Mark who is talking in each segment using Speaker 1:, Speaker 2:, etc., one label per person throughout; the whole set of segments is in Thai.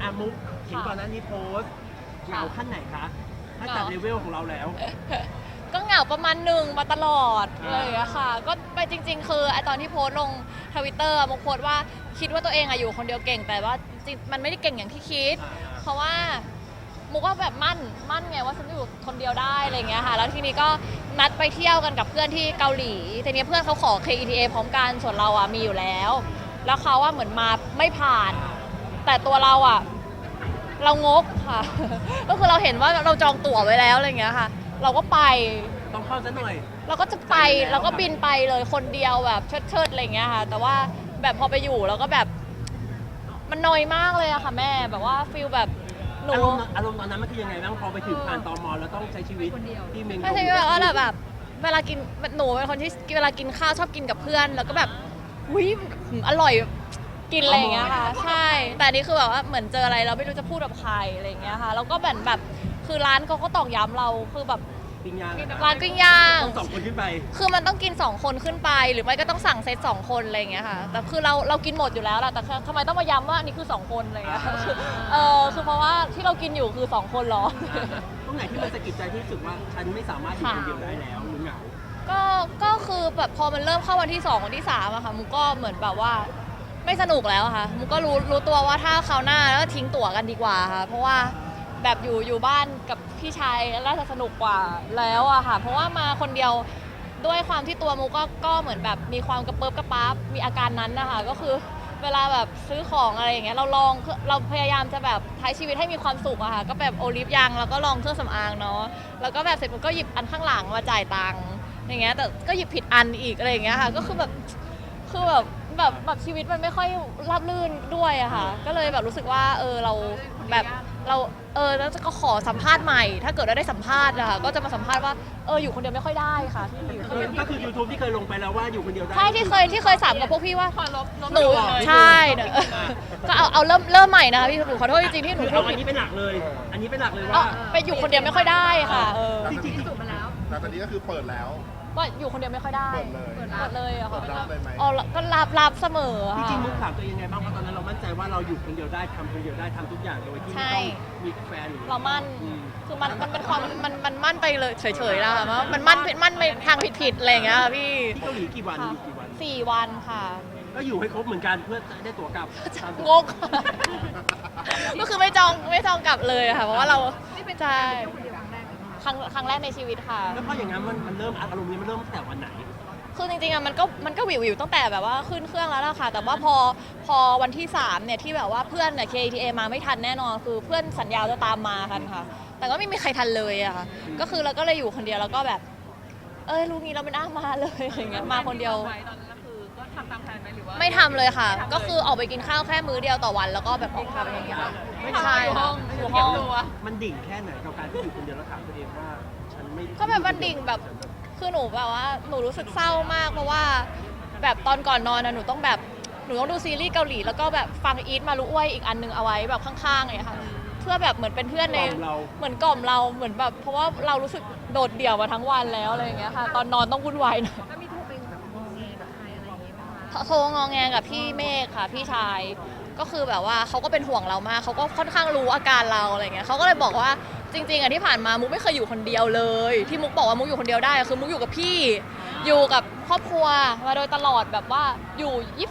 Speaker 1: มุกเห็นก่อนหน้านี้โพสต์เหงาขั้นไหนคะถ้าจัดเลเวลของเราแล้ว
Speaker 2: ก็เหงาประมาณหนึ่งมาตลอดเลยอะค่ะก็ไปจริงๆคือไอตอนที่โพสต์ลงTwitterมุกโพสต์ว่าคิดว่าตัวเองอะอยู่คนเดียวเก่งแต่ว่าจริงมันไม่ได้เก่งอย่างที่คิด เพราะว่ามุกก็แบบมั่นไงว่าฉันอยู่คนเดียวได้อะไรเงี้ยค่ะแล้วทีนี้ก็นัดไปเที่ยวกันกับเพื่อนที่เกาหลีทีนี้เพื่อนเขาขอ KETA พร้อมกันส่วนเราอะมีอยู่แล้วแล้วเขาว่าเหมือนมาไม่ผ่าน แต่ตัวเราอะเรางกค่ะ ก็คือเราเห็นว่าเราจองตั๋วไว้แล้วอะไรเงี้ยค่ะเราก็ไป
Speaker 1: ต้องเข้าซะหน่อย
Speaker 2: เราก็จะไปเราก็บินไปเลยคนเดียวแบบเชิดๆอะไรเงี้ยค่ะแต่ว่าแบบพอไปอยู่แล้วก็แบบมันนอยมากเลยอะค่ะแม่แบบว่าฟีลแบบหนู
Speaker 1: อารมณ์ตอนนั้นมันคือยังไงบ้างพอไปถึงผ่านตมแล้วต้องใช้ชีวิตที่เมง
Speaker 2: ไม่ใช่แบบว่าแบบเวลากินหนูเป็นคนที่เวลากินข้าวชอบกินกับเพื่อน แล้วก็แบบอุ้ยอร่อยกินอะไรอย่างเงี้ยค่ะใช่แต่อันนี้คือแบบว่าเหมือนเจออะไรเราไม่รู้จะพูดกับใครอะไรอย่างเงี้ยค่ะแล้วก็แบบคือร้านเขาก็ตอกย้ำเราคือแบบ
Speaker 1: ปิ้งย่าง
Speaker 2: ร้านปิ้งย่าง
Speaker 1: ต้อง2 คนขึ้นไป
Speaker 2: คือมันต้องกิน2 คนขึ้นไปหรือไม่ก็ต้องสั่งเซต2 คนอะไรอย่างเงี้ยค่ะแต่คือเรากินหมดอยู่แล้วแหละแต่ทำไมต้องมาย้ำว่าอันนี้คือ2 คนอะไรอย่างเงี้ยคือเพราะว่าที่เรากินอยู่คือ2 คนหรอ
Speaker 1: ตรงไหนที่มันสะกิดใจที่สุดว่าฉันไม่สามารถอยู่คนเดียวได้แล้วหรือเหงา
Speaker 2: ก็คือแบบพอมันเริ่มเข้าวันที่2วันที่3อะค่ะมุกก็เหมือนแบบว่าไม่สนุกแล้วอะค่ะมุกก็รู้ตัวว่าถ้าคราวหน้าแล้วทิ้งตั๋วกันดีกว่าค่ะเพราะว่าแบบอยู่บ้านกับพี่ชายน่าจะสนุกกว่าแล้วอะค่ะเพราะว่ามาคนเดียวด้วยความที่ตัวมุกก็เหมือนแบบมีความกระเปิบกระป๊าบมีอาการนั้นนะคะก็คือเวลาแบบซื้อของอะไรอย่างเงี้ยเราพยายามจะแบบใช้ชีวิตให้มีความสุขอะค่ะก็แบบโอลิฟยังแล้วก็ลองเครื่องสำอางเนาะแล้วก็แบบเสร็จปุ๊บก็หยิบอันข้างหลังมาจ่ายตังค์อย่างเงี้ยแต่ก็หยิบผิดอันอีกอะไรอย่างเงี้ยค่ะก็คือแบบชีวิตมันไม่ค่อยราบรื่นด้วยอะค่ะก็เลยแบบรู้สึกว่าเราแบบเราแล้วก็ขอสัมภาษณ์ใหม่ ถ้าเกิดได้สัมภาษณ์นะคะก็จะมาสัมภาษณ์ว่าอยู่คนเดียวไม่ค่อยได้ค่ะพี่
Speaker 1: ก็คือ YouTube ที่เคยลงไปแล้วว่าอยู่คนเดียวได้
Speaker 2: ใช่ที่เคยสามกับพวกพี่ว่า หนู
Speaker 1: ลบ
Speaker 2: ใช่เนี่ยก็เอาเริ่มใหม่นะคะพี่หนูขอโทษจริงๆที่หนู
Speaker 1: คือ
Speaker 2: พู
Speaker 1: เอา
Speaker 2: ด
Speaker 1: อัน
Speaker 2: ผิด
Speaker 1: นี้เป็นหลักเลย อันนี้เป็นหลักเลย
Speaker 2: ก็
Speaker 1: ว่า
Speaker 2: ไปอยู่คนเดียวไม่ค่อยได้ค่ะ
Speaker 1: จริง
Speaker 3: แต่ตอนนี้ก็คือเปิดแล้ว
Speaker 2: ว่าอยู่คนเดียวไม่ค่อยได้
Speaker 3: เปิดเลย
Speaker 2: เปิดเลยอะ
Speaker 3: เปิ
Speaker 2: ค่ะ
Speaker 3: ดรับเลยไหม
Speaker 2: อ๋อก็รับเสมอ
Speaker 1: จ
Speaker 2: ค่ะ
Speaker 1: ริงๆมุกถามตัวเองยังไงบ้างเพราะตอนนั้นเรามั่นใจว่าเราอยู่คนเดียวได้ทำคนเดียวได้ทำทุกอย่างโดยที่ไม่ต้องมีแฟนหรือ
Speaker 2: เรามั่นคือมันเป็นความมันมั่นไปเลยเฉยๆแล้วค่ะมันมั่นไปทางผิดๆอะไรอย่างเงี้ยค่ะพี่
Speaker 1: ที่เกาหลีกี่วันอยู่กี่วัน
Speaker 2: 4 วันค่ะ
Speaker 1: ก็อยู่ให้ครบเหมือนกันเพื่อได้ตั๋วกลับ
Speaker 2: งก ก็คือไม่จองกลับเลยค่ะเพราะว่าเราใช่ครั้งแรกในชีวิตค่ะ
Speaker 1: แล้วพออย่างนั้นมันเริ่มอารมณ์นี้มันเริ่มตั้งแต่วันไหน
Speaker 2: คือจริงๆอะมันก็วิวตั้งแต่แบบว่าขึ้นเครื่องแล้วล่ะค่ะ แต่ว่าพอวันที่3เนี่ยที่แบบว่าเพื่อนเนี่ย KTA มาไม่ทันแน่นอนคือเพื่อนสัญญาจะตามมากันค่ะ แต่ก็ไม่มีใครทันเลยอะค่ะก็คือเราก็เลยอยู่คนเดียวแล้วก็แบบรู้งี้เราไม่น่ามาเลยอย่างเงี้ยมาคนเดียว
Speaker 4: ตอนนั้นคือก็ทำตามแผนไหมหรือว่า
Speaker 2: ไม่ทำเลยค่ะ ก็คือออกไปกินข้าวแค่มื้อเดียวต่อวันแล้วก็แบบออกทำอย่างเงี้ยค่ะไม่ใช่ค่ะอยู่ห้อง
Speaker 1: มันดิ่งแค่ไหนกับการที่อยู่คนเดียวแล้วถามตัวเองว่าฉันไม่
Speaker 2: ก็แบบมันดิ่งแบบคือหนูแบบว่าหนูรู้สึกเศร้ามากเพราะว่าแบบตอนก่อนนอนนะหนูต้องดูซีรีส์เกาหลีแล้วก็แบบฟังอีทมารุอ้วยอีกอันนึงเอาไว้แบบข้างๆเลยค่ะเพื่อแบบเหมือนเป็นเพื่อนในเหมือนกล่อมเราเหมือนแบบเพราะว่าเรารู้สึกโดดเดี่ยวมาทั้งวันแล้วอะไรอย่างเงี้ยค่ะตอนนอนต้องวุ่นวายหน่อย
Speaker 4: แล้วมีโทรไปแบบงอแงกับใครอะไรอย่างเงี้ยไหมคะ
Speaker 2: โทรงอแงกับพี่เมฆค่ะพี่ชายก็คือแบบว่าเขาก็เป็นห่วงเรามากเขาก็ค่อนข้างรู้อาการเราอะไรเงี้ยเขาก็เลยบอกว่าจริงๆอะที่ผ่านมามุกไม่เคยอยู่คนเดียวเลยที่มุกบอกว่ามุกอยู่คนเดียวได้คือมุกอยู่กับพี่อยู่กับครอบครัวมาโดยตลอดแบบว่าอยู่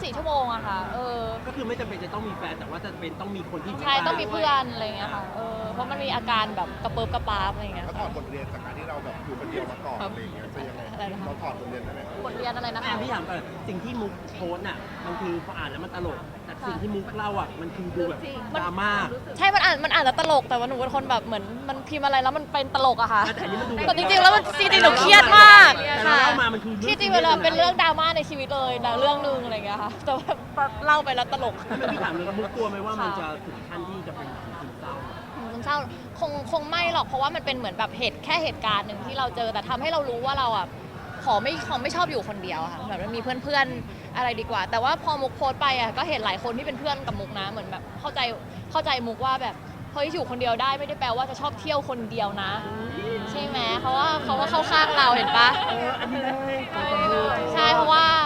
Speaker 2: 24 ชั่วโมงอะค่ะ
Speaker 1: ก็คือไม่จำเป็นจะต้องมีแฟนแต่ว่าจะเป็นต้องมีคนที่
Speaker 2: ใช่ต้องมีเพื่อนอะไรเงี้ยค่ะเพราะมันมีอาการแบบกระเปิบกระปาบอะไรเงี้ย
Speaker 3: แล้วถอดบทเรียนจากการที่เราแบบอยู่คนเดียวมาก่อนอะไรอย่างเงี้ยจะยังไง
Speaker 2: อะไรนะคะ
Speaker 3: เราถอดบทเรียนได้ไหม
Speaker 2: บทเรียนอะไรนะคะ
Speaker 1: พี่ถามก่อนสิ่งที่มุกโพสต์น่ะมันคือพออ่านแล้วมันตลกแต่สิ่งที่มุกเล่าอ่ะมันคือดูแบบดราม่า
Speaker 2: ใช่มันอ่านแล้วตลกแต่ว่าหนูเป็นคนแบบเหมือนมันพิมพ์อะไรแล้วมันเป็นตลกอะค่ะ
Speaker 1: แต่อันนี้มันดู
Speaker 2: แต่จริงๆแล้วมันจริงๆหนูเครียดมาก
Speaker 1: แต่เรา
Speaker 2: ค่ะ
Speaker 1: เล่ามามันคือ
Speaker 2: ที่จริงเวลาเป็นเรื่องดราม่าในชีวิตเลยนะเรื่องนึงอะไรอย่างเงี้ยค่ะแต่ว่าเล่าไปแล้วตลก
Speaker 1: ไม่พี่ถามเลยมุกกลัวไหมว่ามันจะถึงขั้นที่จะเป็นซึมเศร้า
Speaker 2: ซึมเศร้าคงไม่หรอกเพราะว่ามันเป็นเหมือนแบบแค่เหตุการณ์หนึ่งที่เราเจอแต่ทำให้เรารู้ว่าเราอ่ะขอไม่ชอบอยู่คนเดียวค่ะแบบมันมีเพื่อนๆอะไรดีกว่า แต่ว่าพอมุกโพสต์ไปอ่ะก็เห็นหลายคนที่เป็นเพื่อนกับมุกนะเหมือนแบบเข้าใจมุกว่าแบบเฮ้ยอยู่คนเดียวได้ไม่ได้แปลว่าจะชอบเที่ยวคนเดียวนะใช่ไหมเขาว่าเข้าข้างเราเห็นปะ
Speaker 1: อันนี้ได้
Speaker 2: ใช่เพราะว่า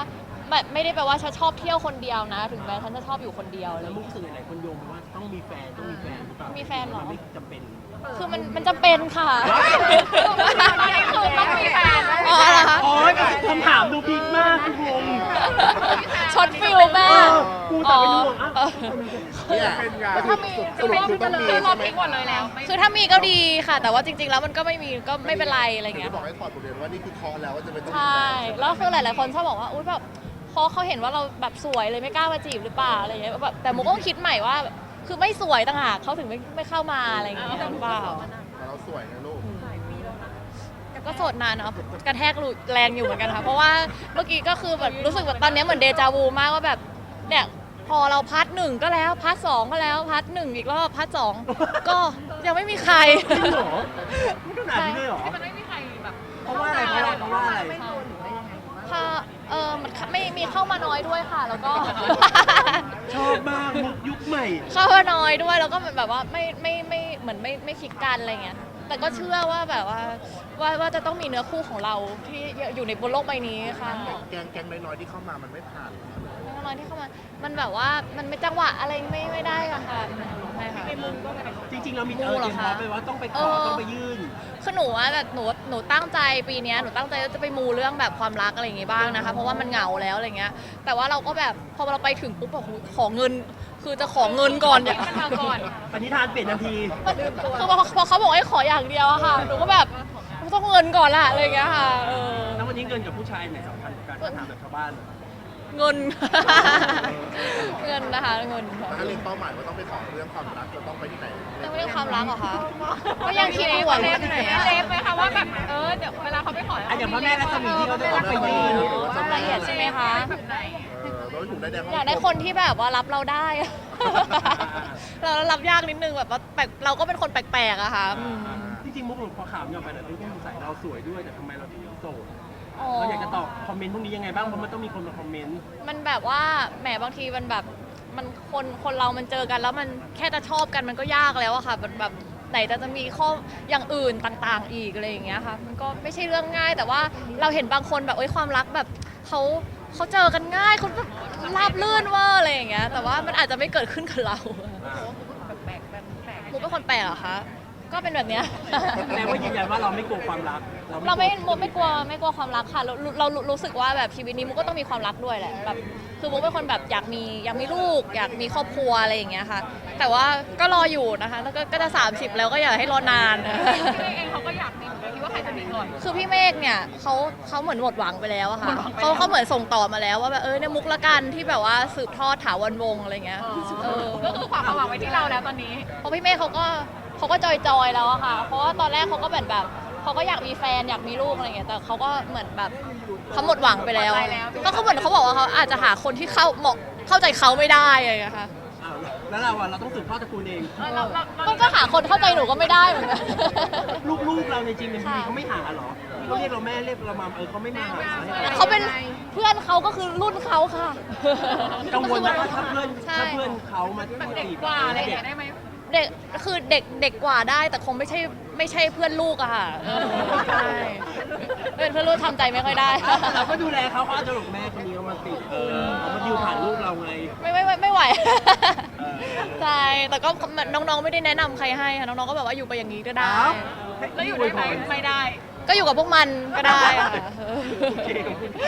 Speaker 2: แบบไม่ได้แปลว่าฉันชอบเที่ยวคนเดียวนะ ถึงแม้ฉันจะชอบอยู่คนเดียวอะไร
Speaker 1: แล้ว
Speaker 2: อย่าง
Speaker 1: มุก
Speaker 2: เงี้ย
Speaker 1: รู้สึกหลายคนโยงไปว่าต้องมีแฟนหรือเปล่า
Speaker 2: มีแฟนเหรอ
Speaker 1: มันไม่จำเป็น
Speaker 2: คือมันจำเป็นค่ะ
Speaker 4: อันนี้คือต้องมีแฟน
Speaker 2: อ๋อเหรอคะ
Speaker 1: โอ๊ยคำถามดูพีคมากคุณงง
Speaker 2: ช็อตฟิลแม่
Speaker 1: กูแต่เป็นห่วงอ่ะ
Speaker 3: เนี่ยก็คือสรุปคือต้องมี
Speaker 4: คือ
Speaker 3: ใช่
Speaker 4: เรา
Speaker 3: ไหม
Speaker 4: ทิ้งหมดเลยแล้วไม่
Speaker 2: คือถ้ามีก็ดีค่ะ แต่ว่าจริง ๆ แล้วมันก็ไม่มีก็ไม่เป็นไรอะไรอย่างเงี้ย
Speaker 3: คืบอ
Speaker 2: ค่ะ
Speaker 3: กให้ถอดบทเรียนว่านี่คือเคอแล้วว่าจะไม่ต้องมี
Speaker 2: ใช่
Speaker 3: แฟน
Speaker 2: แล้วคือหลาย ๆ คนชอบบอกว่าอุ้ยแบบเพราะเขาเห็นว่าเราแบบสวยเลยไม่กล้ามาจีบหรือเปล่าอะไรอย่างเงี้ยแบบแต่มุกก็คิดใหม่ว่า คือไม่สวยต่างหากเขาถึงไม่เข้ามาอะไรอย่างเงี้ยหรือเปล่า
Speaker 3: แต่เราสวยนะลูก
Speaker 2: ก็โสดนานเนาะกระแทกแรงอยู่เหมือนกันค่ะ เพราะว่าเมื่อกี้ก็คือแบบรู้สึกแบบตอนนี้เหมือนเดจาวูมากว่าแบบเนี่ยพอเราพาร์ทหนึ่งก็แล้วพาร์ทสองก็แล้วพาร์ทหนึ่งอีกรอบพาร์ทสองก็ยังไม่มีใคร
Speaker 1: จริงเหรอไม่ขนาดนี้เลยเหรอ
Speaker 4: ที่มันไม่มีใครแบบ
Speaker 1: เพราะว่าอะไรเพราะว่าอะไร
Speaker 2: ค่ะมันไม่มีเข้ามาน้อยด้วยค่ะ แล้วก็
Speaker 1: ชอบมากมุกยุคใหม่
Speaker 2: เข้ามาน้อยด้วยแล้วก็เหมือนแบบว่าไม่เหมือนไม่คลิกกันอะไรเงี้ยแต่ก็เชื่อว่าแบบว่าจะต้องมีเนื้อคู่ของเราที่อยู่ในบนโลกใบนี้ค่ะ
Speaker 3: แกงน้อยๆที่เข้ามามันไม่ผ่านหรอ
Speaker 2: น้อยที่เข้ามามันแบบว่ามันไม่จังหวะอะไรไม่ได้ค่ะใช่ค่ะ
Speaker 1: จริงๆเรามี
Speaker 2: มู
Speaker 1: เต
Speaker 2: เหร
Speaker 1: รี
Speaker 2: อย
Speaker 1: ม
Speaker 2: คะ
Speaker 1: พร้อมไปว่าต้องไปขอต้องไปยื่น
Speaker 2: คือหนูว่าแบบหนูตั้งใจปีเนี้ยหนูตั้งใจว่าจะไปมูเรื่องแบบความรักอะไรอย่างงี้บ้างนะคะ เพราะว่ามันเหงาแล้วอะไรเงี้ย แต่ว่าเราก็แบบพอเราไปถึงปุ๊บแบบโหขอเงิน คือจะขอเงินก่อนเนี่ย
Speaker 4: มันมาก่อน
Speaker 1: ปณิธานเปลี่ยนทันที
Speaker 2: คือพอเขาบอกให้ขออย่างเดียวอะค่ะหนูก็แบบต้องเงินก่อนละอะไรอย่างเงี้ยค่ะเ
Speaker 1: แล้ววันนี้เงินกับผู้ชายไหนสำคัญกว่ากันถ้าถามแบบชาวบ้าน
Speaker 2: เงิน เงินนะคะเงินค่ะ
Speaker 3: ถ้าเล็งเป้าหมายว่าต้องไปขอเรื่องความรักจะต้องไปที่ไหน
Speaker 2: เรื่องความรักเหรอคะก็ยังคิดอยู่ว่าที่ไหนอะ
Speaker 4: เซฟไหมคะว่าแบบเดี๋ยวเวลาเขาไปขอ
Speaker 1: อ่ะอย่างพ่อแม่รัศมีที่เขาจะต้องไปยื่น
Speaker 2: รายละเอียดใช่ไหมคะ
Speaker 4: แบบไหน
Speaker 3: เราถูกได้แดง
Speaker 2: อยากได้คนที่แบบว่ารับเราได้ เรารับยากนิดนึงแบบว่าแปลกเราก็เป็นคนแปลกๆอะค่ะอืม
Speaker 1: จริงๆมุกหลุดพอข่าวนี้ออกไปแล้วทุกคนสงสัยเราสวยด้วยแต่ทำไมเราถึงโสด
Speaker 2: อ๋อ
Speaker 1: เราอยากจะตอบคอมเมนต์พวกนี้ยังไงบ้างเพราะมันต้องมีคนมาคอมเมนต์
Speaker 2: มันแบบว่าแหมบางทีมันแบบมันคนเรามันเจอกันแล้วมันแค่จะชอบกันมันก็ยากแล้วอะค่ะแบบไหนจะมีข้ออย่างอื่นต่างๆ อีกอะไรอย่างเงี้ยค่ะมันก็ไม่ใช่เรื่องง่าย แต่ว่าเราเห็นบางคนแบบความรักแบบเขาเจอกันง่ายเขาแบบราบลื่นเว่าอะไรอย่างเงี้ยแต่ว่ามันอาจจะไม่เกิดขึ้นกับเรา
Speaker 4: แบบแปลกแบบแปลก
Speaker 2: มุกเป็นคนแปลกเหรอคะก็เป็นแบบเนี้ย
Speaker 1: แสดงว่ายืนยันว่าเราไม่กลัวความรัก
Speaker 2: เราไม่กลัวความรักค่ะเรารู้สึกว่าแบบชีวิตนี้มุกก็ต้องมีความรักด้วยแหละแบบคือมุกเป็นคนแบบอยากมีลูก อยากมีครอบครัวอะไรอย่างเงี้ยค่ะ แต่ว่าก็รออยู่นะคะแล้วก็จะ30แล้วก็อย่าให้รอนาน
Speaker 4: พี่เองเขาก็อยากมีเหมือนกันคิดว่าใครจะมีก่อน
Speaker 2: คือพี่เมฆเนี่ยเขาเหมือนหมดหวังไปแล้วอะค่ะเขาเหมือนส่งต่อมาแล้วว่าแบบเนี่ยมุกละกันที่แบบว่าสืบทอดถาวรวงศ์อะไรเงี้ยเอ
Speaker 4: ก็
Speaker 2: อ
Speaker 4: คือความหวังไว้ที่เราแล้วตอนนี้
Speaker 2: เพราะพี่เมฆเขาก็จอยแล้วอะค่ะ เพราะว่าตอนแรกเขาก็แบบเขาก็อยากมีแฟนอยากมีลูกอะไรเงี้ยแต่เขาก็เหมือนแบบเขาหมดหวังไปแล้ว
Speaker 4: หมดใจแล้ว
Speaker 2: ก็เขาเหมือนเขาบอกว่าเขาอาจจะหาคนที่เข้าใจเขาไม่ได้อะไรเงี้ยค่ะ
Speaker 1: อ้าวแล้วเราอะเราต้องสืบทอดตระกูลเอง
Speaker 2: ก็หาคนเข้าใจหนูก็ไม่ได้เหมือนกัน
Speaker 1: ลูกเราในจริงเป็นพี่เขาไม่หาเหรอเขาเรียกเราแม่เรียกเรามาเขาไม่มาหา
Speaker 2: เขาเป็นเพื่อนเขาก็คือรุ่นเขาค่ะ
Speaker 1: กังวลนะว่าถ้าเพื่อน
Speaker 2: ใช่
Speaker 1: เขามา
Speaker 4: แบบเด็ก
Speaker 1: จีบ
Speaker 4: กว่าอะไรอย่างเงี้ยได้ไหม
Speaker 2: เด็กคือเด็กกว่าได้แต่คงไม่ใช่เพื่อนลูกอะค่ะใช่เป็นเพื่อนลูกทำใจไม่ค่อยได้
Speaker 1: เราก็ดูแลเขาอาจจะหลงแม่คนนี้เขามาติดเขามาดิวผ่านลูกเราไง
Speaker 2: ไม่ไหวใช่แต่ก็น้องๆไม่ได้แนะนำใครให้ค่ะน้องๆก็แบบว่าอยู่ไปอย่างนี้ก็ได้
Speaker 1: อ้าว
Speaker 4: แล้วอยู่ได้ไหมไม่ได้
Speaker 2: ก็อยู่กับพวกมันก็ได้ค่ะ
Speaker 1: โอเค